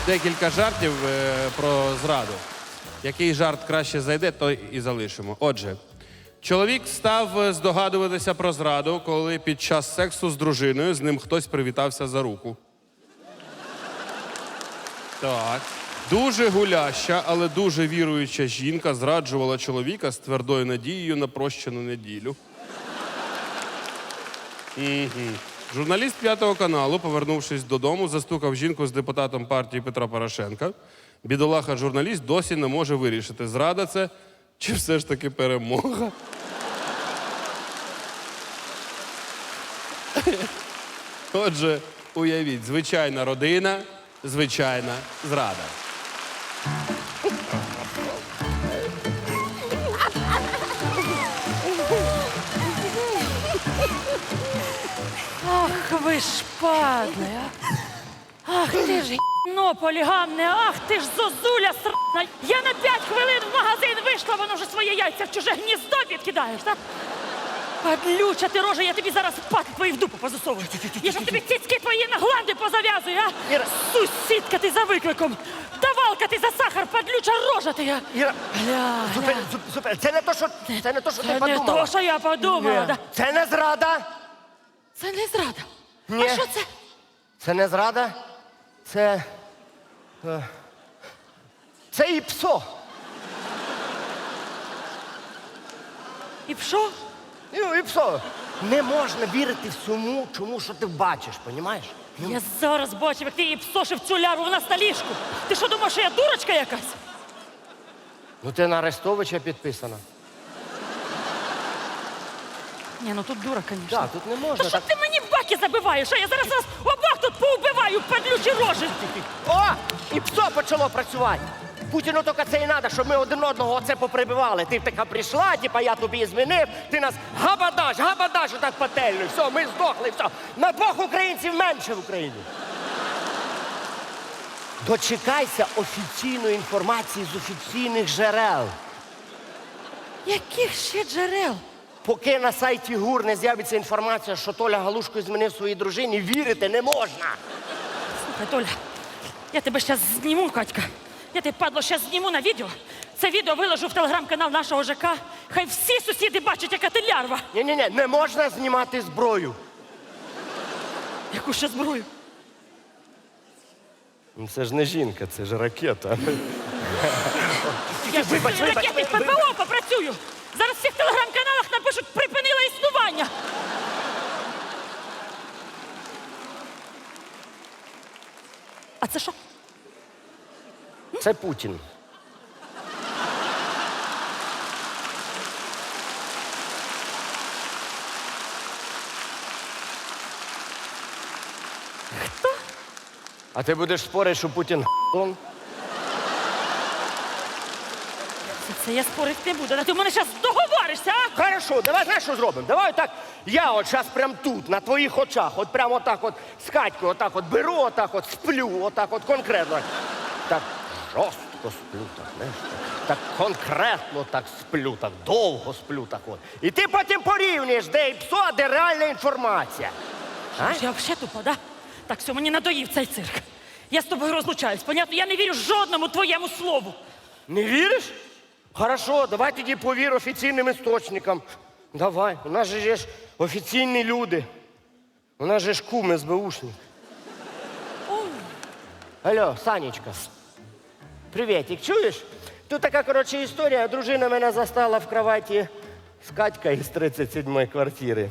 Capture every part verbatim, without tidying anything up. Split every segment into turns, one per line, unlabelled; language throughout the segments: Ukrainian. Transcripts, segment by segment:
декілька жартів е, про зраду. Який жарт краще зайде, той і залишимо. Отже, чоловік став здогадуватися про зраду, коли під час сексу з дружиною з ним хтось привітався за руку. Так. Дуже гуляща, але дуже віруюча жінка зраджувала чоловіка з твердою надією на прощену неділю. Угу. Журналіст П'ятого каналу, повернувшись додому, застукав жінку з депутатом партії Петра Порошенка. Бідолаха-журналіст досі не може вирішити, зрада це чи все ж таки перемога. Отже, уявіть, звичайна родина, звичайна зрада.
Ах, ви ж падли, а! Ах, ти ж гіно полігамне, ах, ти ж зозуля срана! Я на п'ять хвилин в магазин вийшла, воно вже своє яйця в чуже гніздо підкидаєш, так? Падлюча ти рожа, я тобі зараз пати твої в дупу позасовую. Я ж тобі цицьки твої на гланди позав'язую, а?
Іра.
Сусідка ти за викликом, давалка ти за сахар, падлюча рожа ти, а?
Іра,
Гля,
зупини,
гля.
зуп- зупини. Це не то, що, це не то, що
Це
ти
не
подумала.
то, що я подумала,
Ні.
да?
Це не зрада.
Це не зрада.
Ні.
А що це?
Це не зрада. Це... е, Це і псо.
І що?
Ну, і псо. Не можна вірити всьому, чому, що ти бачиш, понімаєш?
Я зараз бачив, як ти її псошив цю лярву в нас на ліжку. Ти що думаєш, що я дурочка якась?
Ну ти на Арестовича підписана.
Ні, ну тут дура, звісно.
Так, тут не можна
Та що
так.
ти мені в баки забиваєш? А я зараз вас обох тут поубиваю, падлючі рожі.
О! І псо почало працювати. Путіну тільки це і треба, щоб ми один одного оце поприбивали. Ти така прийшла, типа я тобі змінив, ти нас габадаш, габадаш отак пательню. Все, ми здохли, все. На двох українців менше в Україні. Дочекайся офіційної інформації з офіційних джерел.
Яких ще джерел?
Поки на сайті ГУР не з'явиться інформація, що Толя Галушко змінив своїй дружині, вірити не можна.
Слухай, Толя, я тебе зараз зніму, Катька. Я тебе, падло, зараз зніму на відео. Це відео виложу в телеграм-канал нашого ЖК. Хай всі сусіди бачать, яка ти лярва.
Ні-ні-ні, не можна знімати зброю.
Яку ще зброю?
Ну, це ж не жінка, це ж ракета.
Я ж
Вибач,
з
вибач,
ракетних
вибач.
ППО попрацюю. Зараз в всіх телеграм-каналах напишуть «припинила існування». А це що?
Це Путін.
Хто?
А ти будеш спорити, що Путін х**он?
Це, це я спорити не буду. Та ти в мене зараз договоришся, а?
Хорошо, давай знаєш, що зробимо? Давай так, я от зараз прям тут, на твоїх очах, от прямо отак от з Катькою, отак от беру, отак от сплю, отак от конкретно. Так жорстко сплю, так, знаєш, так, так конкретно так сплю, так довго сплю, так от. І ти потім порівнюєш, де і псо, а де реальна інформація. А?
Я взагалі тупа, да? Так, все, мені надоїв цей цирк. Я з тобою розлучаюсь, понятно? Я не вірю жодному твоєму слову.
Не віриш? Хорошо, давай тоді повір офіційним істочникам. Давай, у нас же є ж офіційні люди. У нас же ж кум СБУшник. Алло, Санечка. Привітик, чуєш? Тут така, коротше, історія. Дружина мене застала в кроваті з Катькою із тридцять сьомої квартири.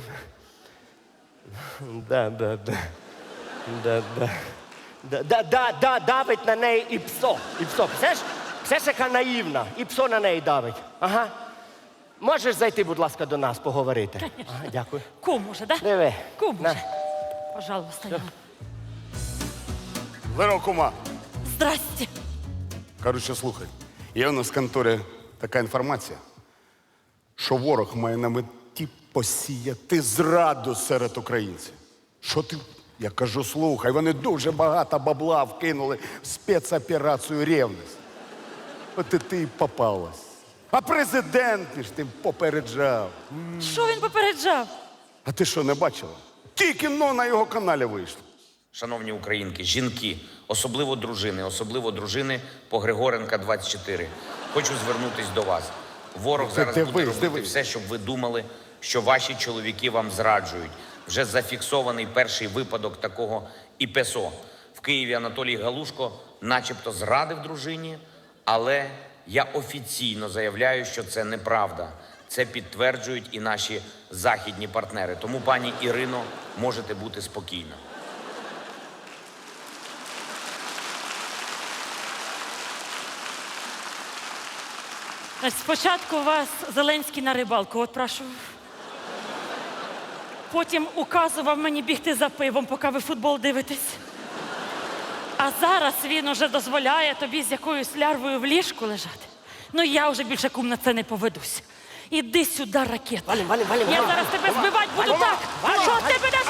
Да, да, да. Да, да. Да, да, да, да, давить на неї і псо. І псо. Все ж, все ж яка наївна. І псо на неї давить. Ага. Можеш зайти, будь ласка, до нас поговорити? Ага, дякую.
Кум уже, да?
Диви.
Кум
На.
уже. Пожалуйста. Яна.
Здорово, кума.
Здрасте.
Коротше, слухай, є у нас в конторі така інформація, що ворог має на меті посіяти зраду серед українців. Що ти? Я кажу, слухай, вони дуже багато бабла вкинули в спецоперацію «Ревність». От і ти й попалась. А президент ж тим попереджав.
Що він попереджав?
А ти що, не бачила? Тільки но на його каналі вийшло.
Шановні українки, жінки, особливо дружини, особливо дружини по Григоренка двадцять чотири. Хочу звернутись до вас. Ворог
Ти
зараз
дивись,
буде робити
дивись.
все, щоб ви думали, що ваші чоловіки вам зраджують. Вже зафіксований перший випадок такого і ПЕСО. В Києві Анатолій Галушко начебто зрадив дружині, але я офіційно заявляю, що це неправда. Це підтверджують і наші західні партнери. Тому, пані Ірино, можете бути спокійна.
Значить, спочатку вас Зеленський на рибалку отпрашував. Потім указував мені бігти за пивом, поки ви футбол дивитесь. А зараз він уже дозволяє тобі з якоюсь лярвою в ліжку лежати. Ну я вже більше, кум, на це не поведусь. Іди сюди, ракета.
Валім, валім, валім.
Я
Валім.
зараз тебе збивати буду
Валім.
так,
Валім.
що ти мене